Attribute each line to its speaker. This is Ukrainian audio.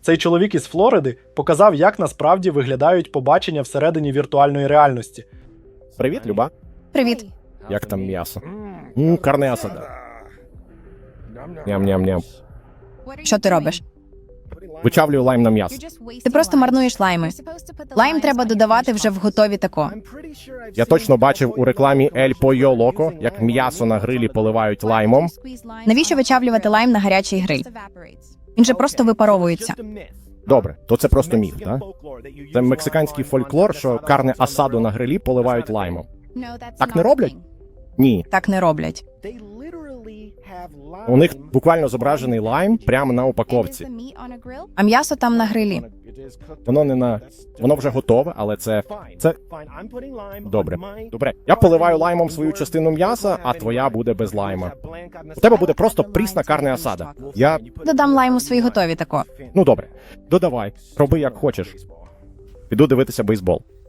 Speaker 1: Цей чоловік із Флориди показав, як насправді виглядають побачення всередині віртуальної реальності.
Speaker 2: Привіт, Люба.
Speaker 3: Привіт.
Speaker 2: Як там м'ясо? Карне асада. Ням-ням-ням.
Speaker 3: Що ти робиш?
Speaker 2: Вичавлюю лайм на м'ясо.
Speaker 3: Ти просто марнуєш лайми. Лайм треба додавати вже в готові тако.
Speaker 2: Я точно бачив у рекламі El Pollo Loco, як м'ясо на грилі поливають лаймом.
Speaker 3: Навіщо вичавлювати лайм на гарячий гриль? Він же просто випаровується.
Speaker 2: Добре, то це просто міф, так? Це мексиканський фольклор, що карне асаду на грилі поливають лаймом. Так не роблять? Ні.
Speaker 3: Так не роблять.
Speaker 2: У них буквально зображений лайм прямо на упаковці.
Speaker 3: А м'ясо там на грилі.
Speaker 2: Воно не на... Воно вже готове, але це... Добре. Добре. Я поливаю лаймом свою частину м'яса, а твоя буде без лайма. У тебе буде просто прісна карне асада. Я...
Speaker 3: Додам лайм у свої готові тако.
Speaker 2: Ну добре. Додавай. Роби як хочеш. Піду дивитися бейсбол.